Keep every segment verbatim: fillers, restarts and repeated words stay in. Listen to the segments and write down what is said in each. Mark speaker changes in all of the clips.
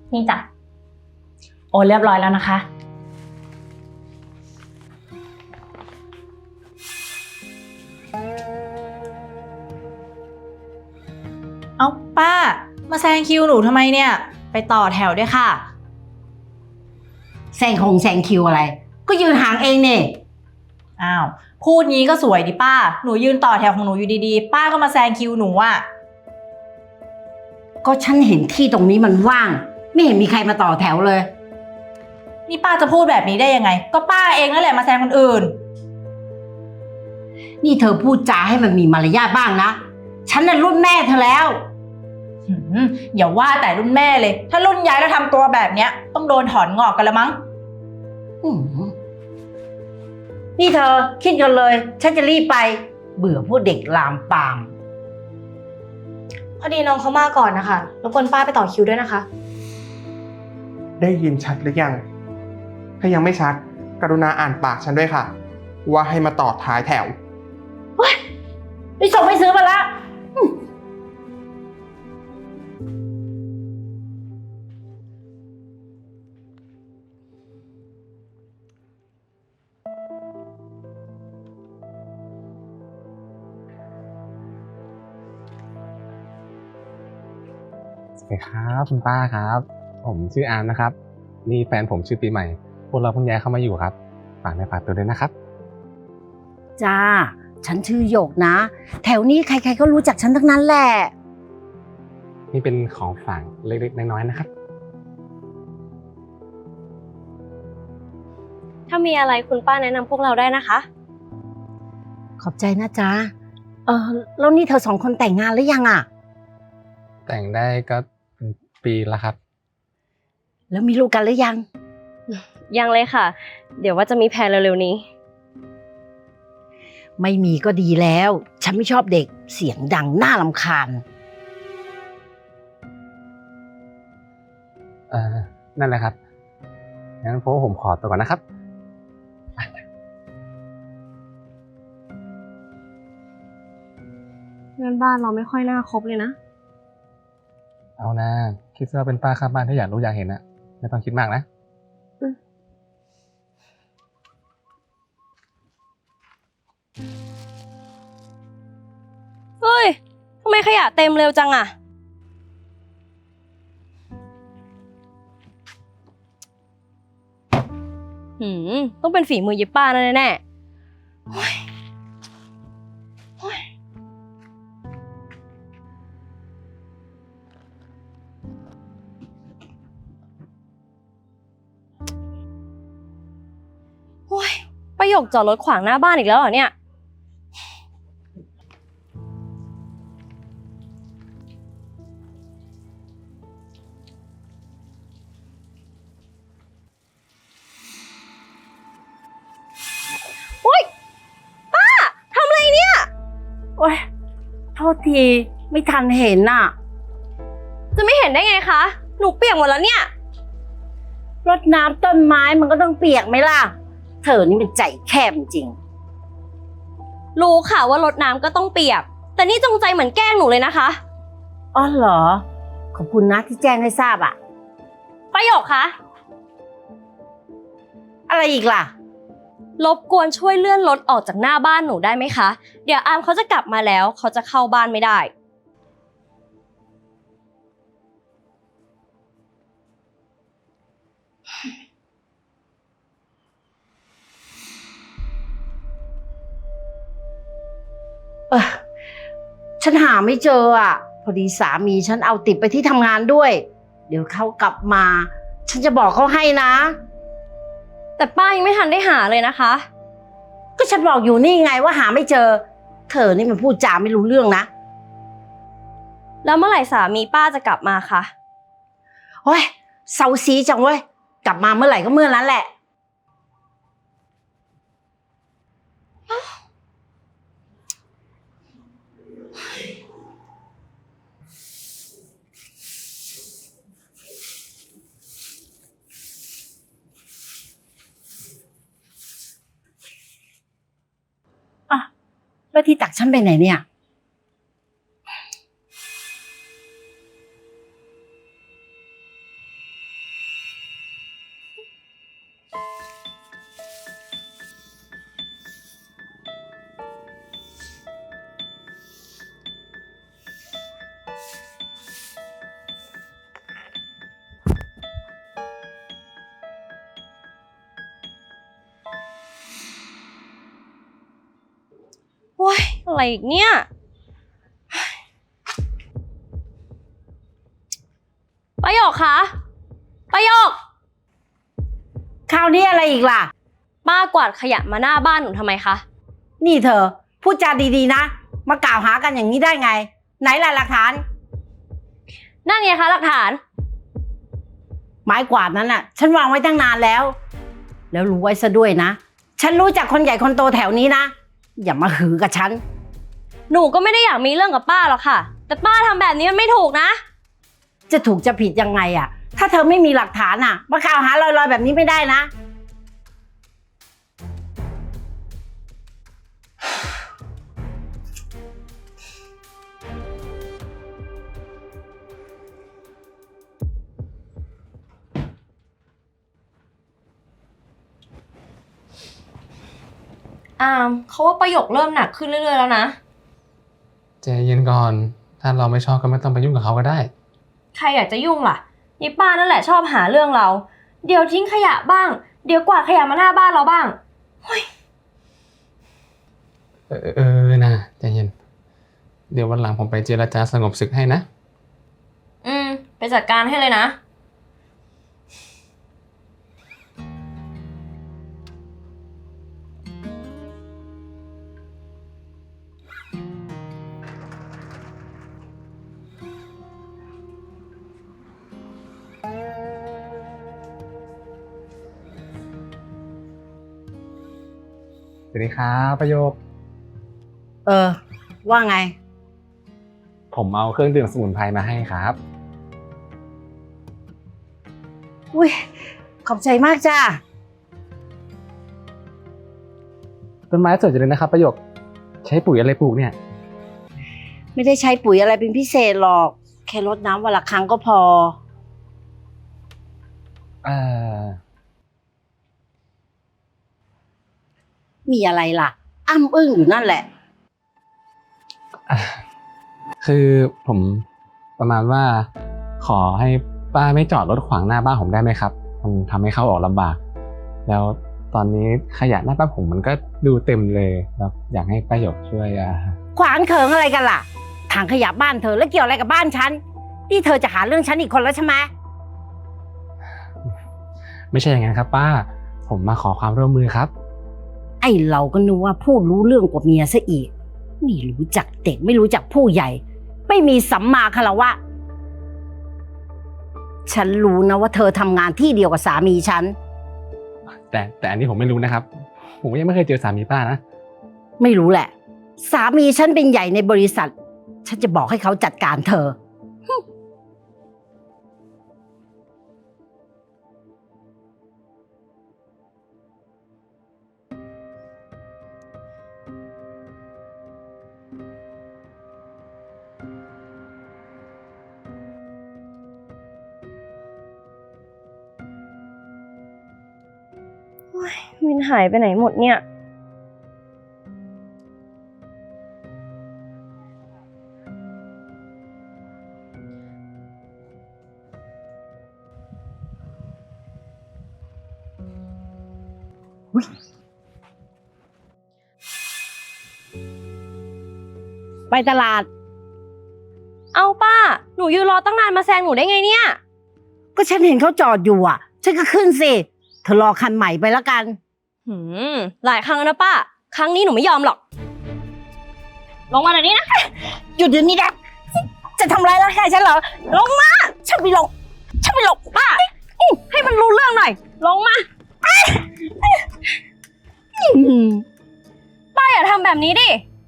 Speaker 1: นี่จ้ะโอนเรียบร้อยแล้วนะคะเอาป้ามาแซงคิวหนูทำไมเนี่ยไปต่อแถวด้วยค่ะ
Speaker 2: แซงคงแซงคิวอะไร ก็ยืนห่างเองเนี่ย
Speaker 1: อ้าวพูดงี้ก็สวยดิป้าหนูยืนต่อแถวของหนูอยู่ดีๆป้าก็มาแซงคิวหนูอ่ะ
Speaker 2: ก็ฉันเห็นที่ตรงนี้มันว่าง ไม่เห็นมีใครมาต่อแถวเลย
Speaker 1: นี่ป้าจะพูดแบบนี้ได้ยังไงก็ป้าเองนั่นแหละมาแซงคนอื่น
Speaker 2: นี่เธอพูดจาให้มันมีมารยาทบ้างนะฉันน่ะรุ่นแม่เธอแล้ว
Speaker 1: อย่าว่าแต่รุ่นแม่เลยถ้ารุ่นยายแล้วทำตัวแบบเนี้ยต้องโดนถอนงอกกันละมั้ง
Speaker 2: นี่เธอคิดกันเลยฉันจะรีบไปเบื่อพวกเด็กลามปาม
Speaker 3: พอดีน้องเขามาก่อนนะคะรบกวนป้าไปต่อคิวด้วยนะคะ
Speaker 4: ได้ยินชัดหรือยังถ้ายังไม่ชัดกรุณาอ่านปากฉันด้วยค่ะว่าให้มาต่อท้ายแถว
Speaker 2: เฮ้ยไปส่งไปซื้อมาละ
Speaker 5: สวัสดีครับคุณป้าครับผมชื่ออาร์มนะครับนี่แฟนผมชื่อปีใหม่พวกเราเพิ่งย้ายเข้ามาอยู่ครับฝากในฝากตัวด้วยนะครับ
Speaker 2: จ้าฉันชื่อหยกนะแถวนี้ใครๆก็รู้จักฉันทั้งนั้นแหละ
Speaker 5: นี่เป็นของฝากเล็กๆน้อยๆนะครับ
Speaker 3: ถ้ามีอะไรคุณป้าแนะนำพวกเราได้นะคะ
Speaker 2: ขอบใจนะจ๊ะเออแล้วนี่เธอสองคนแต่งงานหรือยังอ่ะ
Speaker 5: แต่งได้ก็ปีละครับ
Speaker 2: แล้วมีลูกกันหรือยัง
Speaker 3: ยังเลยค่ะเดี๋ยวว่าจะมีแพลนเร็วๆนี้
Speaker 2: ไม่มีก็ดีแล้วฉันไม่ชอบเด็กเสียงดังน่ารำคาญ
Speaker 5: เออนั่นแหละครับงั้นพวกผมขอตัวก่อนนะครับ
Speaker 3: เงินบ้านเราไม่ค่อยน่าคบเลยนะ
Speaker 5: เอานะคิดว่าเป็นป้าข้างบ้านถ้าอยากรู้อยากเห็นนะไม่ต้องคิดมากนะ
Speaker 3: เฮ้ยทำไมขยะเต็มเร็วจังอะหืมต้องเป็นฝีมือเย็บป้าแน่แน่โอ้ยโอ้ยโอ้ยประโยคจอดรถขวางหน้าบ้านอีกแล้วเหรอเนี่ย
Speaker 2: โอ๊ยโทษทีไม่ทันเห็นน่ะ
Speaker 3: จะไม่เห็นได้ไงคะหนูเปียกหมดแล้วเนี่ย
Speaker 2: รดน้ำต้นไม้มันก็ต้องเปียกไหมล่ะเธอนี่เป็นใจแคบจริง
Speaker 3: รู้ค่ะว่ารดน้ำก็ต้องเปียกแต่นี่จงใจเหมือนแกล้งหนูเลยนะคะ
Speaker 2: อ๋อเหรอขอบคุณนะที่แจ้งให้ทราบอะ
Speaker 3: ประโยคคะ
Speaker 2: อะไรอีกล่ะ
Speaker 3: รบกวนช่วยเลื่อนรถออกจากหน้าบ้านหนูได้ไหมคะเดี๋ยวอาร์มเขาจะกลับมาแล้วเขาจะเข้าบ้านไม่ได้
Speaker 2: เออฉันหาไม่เจออ่ะพอดีสามีฉันเอาติดไปที่ทำงานด้วยเดี๋ยวเขากลับมาฉันจะบอกเขาให้นะ
Speaker 3: แต่ป้ายังไม่ทันได้หาเลยนะคะ
Speaker 2: ก็ฉันบอกอยู่นี่ไงว่าหาไม่เจอเธอนี่มันพูดจาไม่รู้เรื่องนะ
Speaker 3: แล้วเมื่อไหร่สามีป้าจะกลับมาคะ
Speaker 2: โอ้ยเซาซีจังเว้ยกลับมาเมื่อไหร่ก็เมื่อนั้นแหละแล้วที่ตักฉันไปไหนเนี่ย
Speaker 3: อะไรอีกเนี่ยประโยคคะประโยค
Speaker 2: คราวนี้อะไรอีกล่ะ
Speaker 3: ป้ากวาดขยะมาหน้าบ้านหนูทำไมคะ
Speaker 2: นี่เธอพูดจาดีๆนะ มากล่าวหากันอย่างนี้ได้ไง ไหนล่ะหลักฐาน
Speaker 3: นั่นไงคะหลักฐาน
Speaker 2: ไม้กวาดนั้นน่ะ ฉันวางไว้ตั้งนานแล้ว แล้วรู้ไว้ซะด้วยนะ ฉันรู้จักคนใหญ่คนโตแถวนี้นะ อย่ามาหือกับฉัน
Speaker 3: หนูก็ไม่ได้อยากมีเรื่องกับป้าหรอกค่ะ แต่ป้าทำแบบนี้มันไม่ถูกนะ
Speaker 2: จะถูกจะผิดยังไงอะถ้าเธอไม่มีหลักฐานอะมากล่าวหาลอยๆแบบนี้ไม่ได้นะ
Speaker 3: อามเขาว่าประโยคเริ่มหนักขึ้นเรื่อยๆแล้วนะ
Speaker 5: ใจเย็นก่อน ถ้าเราไม่ชอบก็ไม่ต้องไปยุ่งกับเขาก็ได้
Speaker 3: ใครอยากจะยุ่งล่ะยายป้านั่นแหละชอบหาเรื่องเรา เดี๋ยวทิ้งขยะบ้าง เดี๋ยวกวาดขยะมาหน้าบ้านเราบ้าง
Speaker 5: เออเออนะใจเย็น เดี๋ยววันหลังผมไปเจรจาสงบศึกให้นะ
Speaker 3: อืม ไปจัดการให้เลยนะ
Speaker 5: สวัสดีครับประโยค
Speaker 2: เออ ว่าไง
Speaker 5: ผมเอาเครื่องดื่มสมุนไพรมาให้ครับ
Speaker 2: อุ้ยขอบใจมากจ้า
Speaker 5: ต้นไม้สวยจังเลยนะครับประโยค ใช้ปุ๋ยอะไรปลูกเนี่ย
Speaker 2: ไม่ได้ใช้ปุ๋ยอะไรเป็นพิเศษหรอก แค่รดน้ำวันละครั้งก็พอ
Speaker 5: เอ่อ
Speaker 2: มีอะไรล่ะ อ้ำอึ้งอยู่นั่นแหละ
Speaker 5: อ่ะคือผมประมาณว่า ขอให้ป้าไม่จอดรถขวางหน้าบ้านผมได้ไหมครับ มันทำให้เข้าออกลำบาก แล้วตอนนี้ขยะหน้าบ้านผมมันก็ดูเต็มเลยแล้วอยากให้ป้าหยกช่วยอ่ะ
Speaker 2: ขวางเขิงอะไรกันล่ะถังขยะบ้านเธอแล้วเกี่ยวอะไรกับบ้านฉัน นี่เธอจะหาเรื่องฉันอีกคนแล้วใช่ไหม
Speaker 5: ไม่ใช่อย่างนั้นครับ ป้า ผมมาขอความร่วมมือครับ
Speaker 2: ไอ้เราก็นึกว่าพูดรู้เรื่องกว่าเมียซะอีกไม่รู้จักเด็กไม่รู้จักผู้ใหญ่ ไม่มีสัมมาคารวะ ฉันรู้นะว่าเธอทำงานที่เดียวกับสามีฉัน
Speaker 5: แต่แต่อันนี้ผมไม่รู้นะครับ ผมยังไม่เคยเจอสามีป้านะ
Speaker 2: ไม่รู้แหละ สามีฉันเป็นใหญ่ในบริษัท ฉันจะบอกให้เขาจัดการเธอ
Speaker 3: วินหายไปไหนหมดเนี่ย
Speaker 2: ไปตลาด
Speaker 3: เอาป้า หนูยืนรอตั้งนานมาแซงหนูได้ไงเนี่ย
Speaker 2: ก็ฉันเห็นเขาจอดอยู่อ่ะ ฉันก็ขึ้นสิ เธอรอคันใหม่ไปแล้วกัน
Speaker 3: หืม หลายครั้งแล้วนะป้า ครั้งนี้หนูไม่ยอมหรอก ลงมาหน่อยนี้นะ
Speaker 2: หยุดเดี๋ยวนี้นะจะทำร้ายร่างกายฉันเหรอ ลงมา ฉันไม่ลง ฉันไม่ลง
Speaker 3: ป้า ให้มันรู้เรื่องหน่อย ลงมา
Speaker 2: อืม
Speaker 3: ป้าอย่าทำแบบนี้ดิ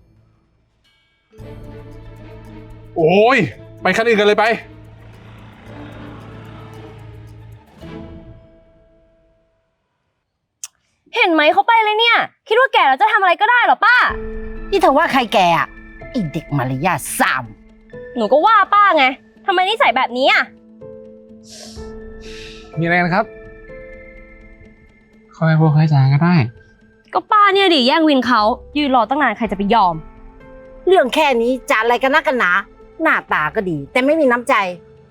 Speaker 4: โอ้ยไปคันอื่นกันเลยไป
Speaker 3: เห็นไหมเขาไปเลยเนี่ย คิดว่าแก่แล้วจะทำอะไรก็ได้เหรอป้า
Speaker 2: นี่เธอว่าใครแกอ่ะไอเด็กมารยาทสาม
Speaker 3: หนูก็ว่าป้าไงทำไมนิสัยแบบนี้อ่ะ
Speaker 5: มีอะไรกันครับ ค่อยพูดค่อยจาก็ได้
Speaker 3: ก็ป้าเนี่ยดิแย่งวินเขายืนรอตั้งนานใครจะไปยอม
Speaker 2: เรื่องแค่นี้จะอะไรกันนักกันหนา หน้าตาก็ดี แต่ไม่มีน้ำใจ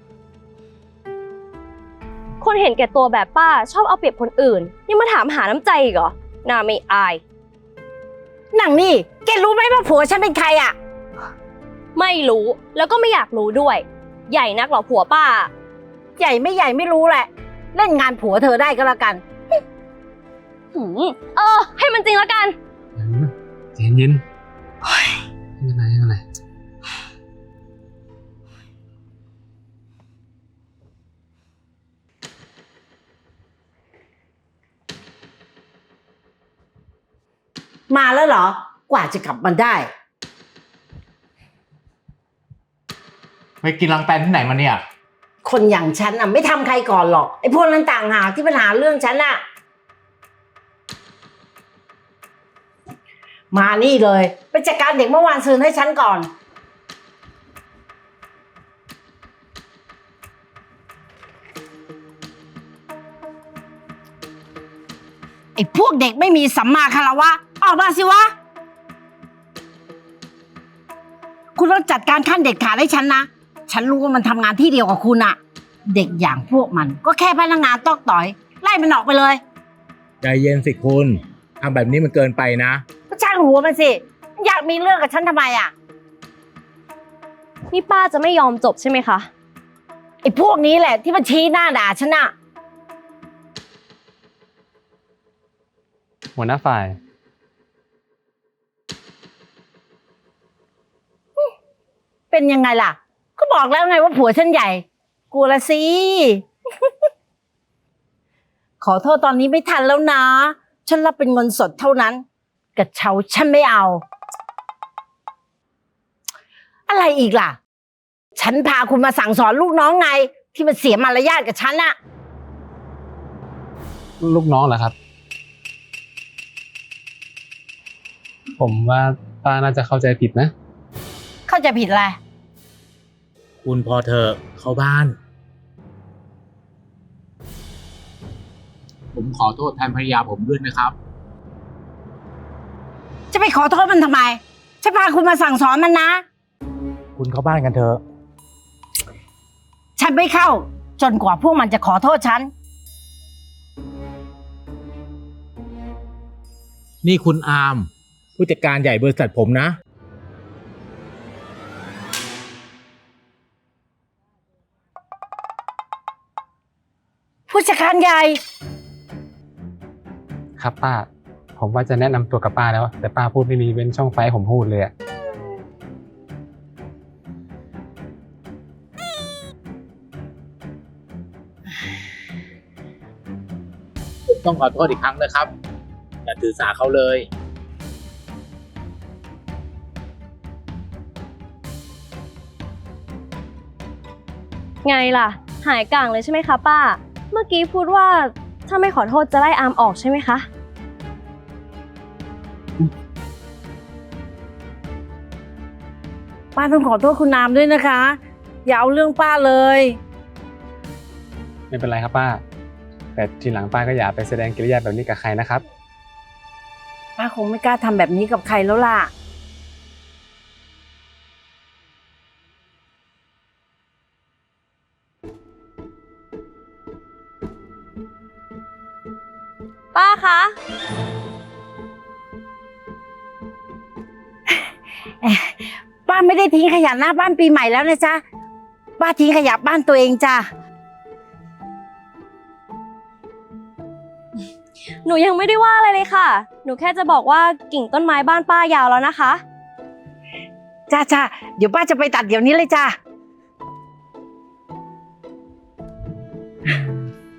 Speaker 3: คนเห็นแก่ตัวแบบป้าชอบเอาเปรียบคนอื่น ยังมาถามหาน้ำใจอีกเหรอน่าไม่อาย
Speaker 2: หนังนี่แกรู้ไหมว่าผัวฉันเป็นใครอ่ะ
Speaker 3: ไม่รู้แล้วก็ไม่อยากรู้ด้วย ใหญ่นักเหรอผัวป้า
Speaker 2: ใหญ่ไม่ใหญ่ไม่รู้แหละ เล่นงานผัวเธอได้ก็แล้วกัน
Speaker 3: หืมเออ ให้มันจริงแล้วกัน
Speaker 5: ใจเย็นไม่เป็นไรไม่เป็นไร
Speaker 2: มาแล้วเหรอ กว่าจะกลับมาได้
Speaker 6: ไปกินรังแตนที่ไหนมาเนี่ย
Speaker 2: คนอย่างฉันอ่ะไม่ทำใครก่อนหรอกไอ้พวกนั้นต่างหากที่ปัญหาเรื่องฉันอ่ะ มานี่เลยไปจัดการเด็กเมื่อวานซืนให้ฉันก่อน ไอ้พวกเด็กไม่มีสัมมาคารวะออกมาสิวะ คุณต้องจัดการขั้นเด็ดขาดให้ฉันนะ ฉันรู้ว่ามันทำงานที่เดียวกับคุณอะเด็กอย่างพวกมันก็แค่พนักงานตอกต่อย ไล่มันออกไปเลย
Speaker 6: ใจเย็นสิคุณทำแบบนี้มันเกินไปนะ
Speaker 2: ก็ช่างหัวมันสิมันอยากมีเรื่องกับฉันทำไมอะ
Speaker 3: นี่ป้าจะไม่ยอมจบใช่ไหมคะ
Speaker 2: ไอ้พวกนี้แหละที่มันชี้หน้าด่าฉันอะ
Speaker 5: หัวหน้าฝ่าย
Speaker 2: เป็นยังไงล่ะ ก็บอกแล้วไงว่าผัวฉันใหญ่กลัวละสิ ขอโทษตอนนี้ไม่ทันแล้วนะ ฉันรับเป็นเงินสดเท่านั้นกระเช้าฉันไม่เอา อะไรอีกล่ะ ฉันพาคุณมาสั่งสอนลูกน้องไง ที่มันเสียมารยาทกับฉันอะ
Speaker 5: ลูกน้องเหรอครับ ผมว่าป้าน่าจะเข้าใจผิดนะ
Speaker 2: เข้าใจผิดอะไร
Speaker 6: คุณพอเธอะเข้าบ้าน ผมขอโทษแทนภรรยาผมด้วยนะครับ
Speaker 2: จะไปขอโทษมันทำไม ฉันพาคุณมาสั่งสอนมันนะ
Speaker 6: คุณเข้าบ้านกันเถอะ
Speaker 2: ฉันไม่เข้า จนกว่าพวกมันจะขอโทษฉัน
Speaker 6: นี่คุณอาร์มผู้จัดการใหญ่บริษัทผมนะ
Speaker 2: ผู้จัดการใหญ่
Speaker 5: ครับป้า ผมว่าจะแนะนำตัวกับป้าแล้ว แต่ป้าพูดไม่มีเว้นช่องไฟให้ผมพูดเลยอะ
Speaker 6: ผมต้องขอโทษอีกครั้งนะครับ อย่าถือสาเขาเลย
Speaker 3: ไงล่ะ หายกลางเลยใช่ไหมคะป้า เมื่อกี้พูดว่าถ้าไม่ขอโทษจะไล่อาร์มออกใช่ไหมคะ
Speaker 2: ป้าต้องขอโทษคุณนามด้วยนะคะ อย่าเอาเรื่องป้าเลย
Speaker 5: ไม่เป็นไรครับป้า แต่ทีหลังป้าก็อย่าไปแสดงกิริยาแบบนี้กับใครนะครับ
Speaker 2: ป้าคงไม่กล้าทำแบบนี้กับใครแล้วล่ะ
Speaker 3: ป้าคะ
Speaker 2: ป้าไม่ได้ทิ้งขยะหน้าบ้านปีใหม่แล้วนะจ๊ะ ป้าทิ้งขยะบ้านตัวเองจ้ะ
Speaker 3: หนูยังไม่ได้ว่าอะไรเลยค่ะ หนูแค่จะบอกว่ากิ่งต้นไม้บ้านป้ายาวแล้วนะคะ
Speaker 2: จ้าจ้าเดี๋ยวป้าจะไปตัดเดี๋ยวนี้เลยจ้า